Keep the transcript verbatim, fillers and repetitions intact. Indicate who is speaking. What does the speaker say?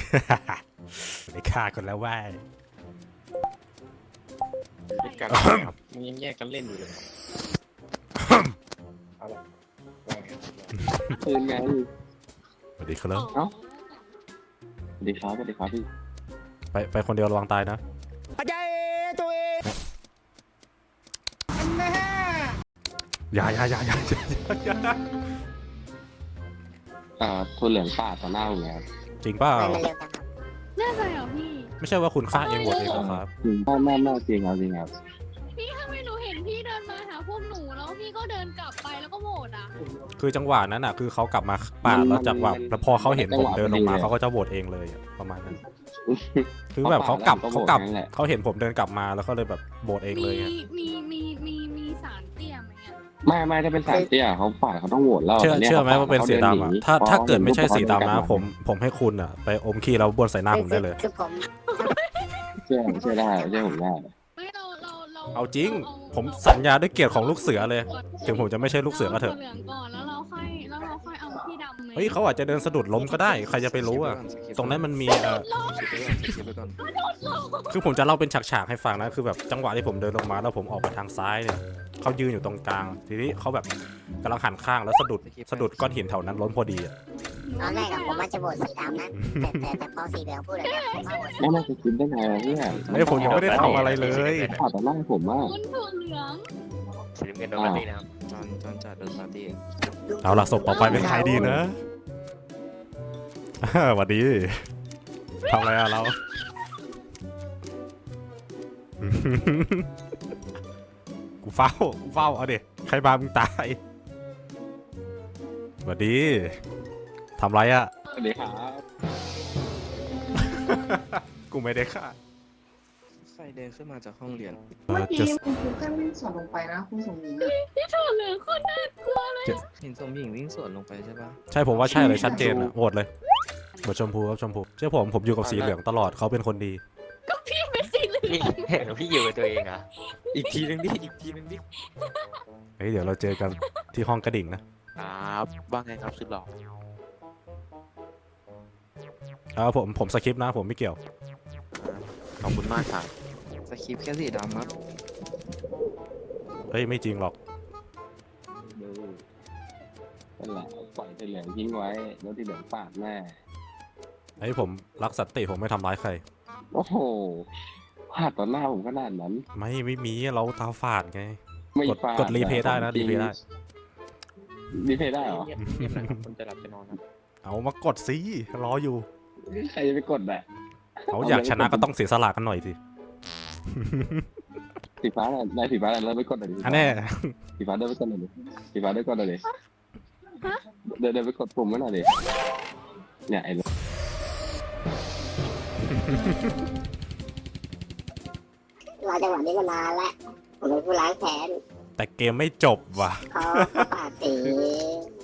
Speaker 1: ได้ฆ่าคนแล้วว่าย
Speaker 2: เป็นการครับมึงยังแยกกันเล่นอยู่เลยอะไร
Speaker 3: คืนไง
Speaker 1: สวัสดีครับ
Speaker 3: เอ้าสวัสดีครับสวัสดีครับพี่
Speaker 1: ไปไปคนเดียวระวังตายนะอย่าอย่าอย่าอย่าอย่า
Speaker 3: อ่าทุนเหลืองป่าต่อหน้าผมแล้ว
Speaker 1: จริงเปล่า
Speaker 4: แน่ใจเหรอพี่
Speaker 1: ไม่ใช่ว่าคุณฆ่าเองหมดเองเหรอครับ
Speaker 3: จริงไม่ไม่ไม่จริงครับจริงครับ
Speaker 4: พี่ทำไมหนูเห็นพี่เดินมาหาพวกหนูแล้วพี่ก็เดินกลับไปแล้วก็โหวตอ่ะ
Speaker 1: คือจังหวะนั้นอ่ะคือเขากลับมาปาดแล้วจังหวะแล้วพอเขาเห็นผมเดินลงมาเขาก็จะโหวตเองเลยอะประมาณนั้น คือแบบเขากลับเขากลับเขาเห็นผมเดินกลับมาแล้วก็เลยแบบโหวตเองเลย
Speaker 4: มี
Speaker 1: อะ
Speaker 4: มีมีมีมีสารเตี้ยไหมอ่ะ
Speaker 3: ไม่ไม่ถ้าเป็นสายเตี้ยเขาป่าดเขาต้องโหวตแล้ว
Speaker 1: เชื่อ
Speaker 3: นี่ย
Speaker 1: เชื่อไหมว่าเป็นสีดำอ่ะถ้าถ้าเกิดไม่ใช่สีดำนะ
Speaker 3: เขา
Speaker 1: ผมผมให้คุณอ่ะไปอมขี้แล้วบ้วนใส่หน้าผมได้เลย
Speaker 5: คือผม
Speaker 3: เชื่อเชื่อได้เชื่อผมได้
Speaker 4: ไม่เราเราเรา
Speaker 1: เอาจริง ผมสัญญาด้วยเกียรติของลูกเสือเลย ถึงผมจะไม่ใช่ลูกเสือก็เถอะ
Speaker 4: าเหลืองก่อนแล้วเราค่อยแล้วเราค่อยเอาพี่ดำไหม
Speaker 1: เฮ้ยเขาอาจจะเดินสะดุดล้มก็ได้ใครจะไปรู้อ่ะตรงนั้นมันมีเอ่อคือผมจะเล่าเป็นฉากๆให้ฟังนะคือแบบจังหวะที่ผมเดินลงมาแล้วผมออกไปทางซ้ายเนี่ยเขายืนอยู่ตรงกลางทีนี้เขาแบบกำลังหันข้างแล้วสะดุดสะดุดก้อนหินแถวนั้นล้มพอดีอ่ะ
Speaker 5: ตอนแรกอะผมว่าจะโหวตสีดำนะแต่แต่แต่พอสีเหลืองพูดแบบนี้ผมว่าโหวตสี
Speaker 3: ไม่น่าจะคิดได้ไงวะเนี่ย
Speaker 1: เฮ้ยผมยังไม่ได้ทำอะไรเลย
Speaker 3: ป่าดต่อหน้าผมอ่ะ
Speaker 4: คุณถั่วเหลือง
Speaker 2: สีน้ำเงินโดนปาร์ตี้นะครับจอนจอนจัดโดนปาร์ตี้
Speaker 1: เอาล่ะศพต่อไปเป็นใครดีนะสวัสดีทำอะไรอะเรา กูเฝ้ากูเฝ้าเอาดิใครมามึงตายสวัสดีทำไรอะ
Speaker 3: สวัสดีครับ
Speaker 1: กูไม่ได้ฆ่า
Speaker 2: ใครเดินขึ้นมาจากห้องเรียน
Speaker 1: เอ
Speaker 6: เมื่
Speaker 1: อ
Speaker 6: อกี้
Speaker 1: จะ
Speaker 6: คุณครูก็วิ่งสวนลงไปนะคุณสมหญิงอะ
Speaker 4: พี่ถั่วเหลืองโคนน่ากลัวเลย
Speaker 2: เห็นสมหญิงวิ่งสวนลงไปใช่ปะ
Speaker 1: ใช่ผมว่าใช่เลยชัดเจนอะโหวตเลยโหวตชมพูครับชมพูเชื่อผมผมอยู่กับสีเหลืองตลอดเขาเป็นคนดี
Speaker 4: ก็พี่เป็นสีเหลือง
Speaker 7: พี่พี่อยู่กับตัวเองอ่ะ อีกทีนึงดิ อีกทีนึงดิ
Speaker 1: เฮ้ยเดี๋ยวเราเจอกันที่ห้องกระดิ่งนะครับ
Speaker 7: ว่าไงครับสุดหล่อ
Speaker 1: เออผมผมสคริปต์นะผมไม่เกี่ยว
Speaker 7: ขอบคุณมากครับ
Speaker 2: สคริปต์แค่สีดำครับ
Speaker 1: เฮ้ยไม่จริงหรอก
Speaker 3: ดูนั่นแหละปล่อยสีเหลืองทิ้งไว้แล้วสีเหลืองป่าดแน่
Speaker 1: ไอ้ยผมรักสันติผมไม่ทำร้ายใคร
Speaker 3: โอ้โหป่าดต่อหน้าผมขนาดนั้น
Speaker 1: ไม่ไม่มีเราตาฝาดไง
Speaker 3: ไม่
Speaker 1: กด
Speaker 3: ป่า
Speaker 1: กดรีเพย์ได้นะรีเพย์ได้
Speaker 3: รีเพย์ได้เหรอ
Speaker 2: เงียบเงียบหนะครับคนจะหลับจะนอนครับ
Speaker 1: เอามากดสิรออยู่
Speaker 3: ใครจะไปกดอ่ะ
Speaker 1: เขาอยากชนะก็ต้องเสียสละกันหน่อยสิ
Speaker 3: สีฟ้าน่ะนายสีฟ้าน่ะเริ่มไปกดหน่อยดิ
Speaker 1: อันแน่
Speaker 3: สีฟ้าเดินไปกดหน่อยดิสีฟ้าเดินกดหน่อยดิเดินเดินไปกดปุ่มไว้หน่อยดิเนี่ยไอ้
Speaker 5: รอจังหวะนี้มานานแล้วผมเป็นผู้ล้างแค้น
Speaker 1: แต่เกมไม่จบว่ะ
Speaker 5: เขาเขาปาดสี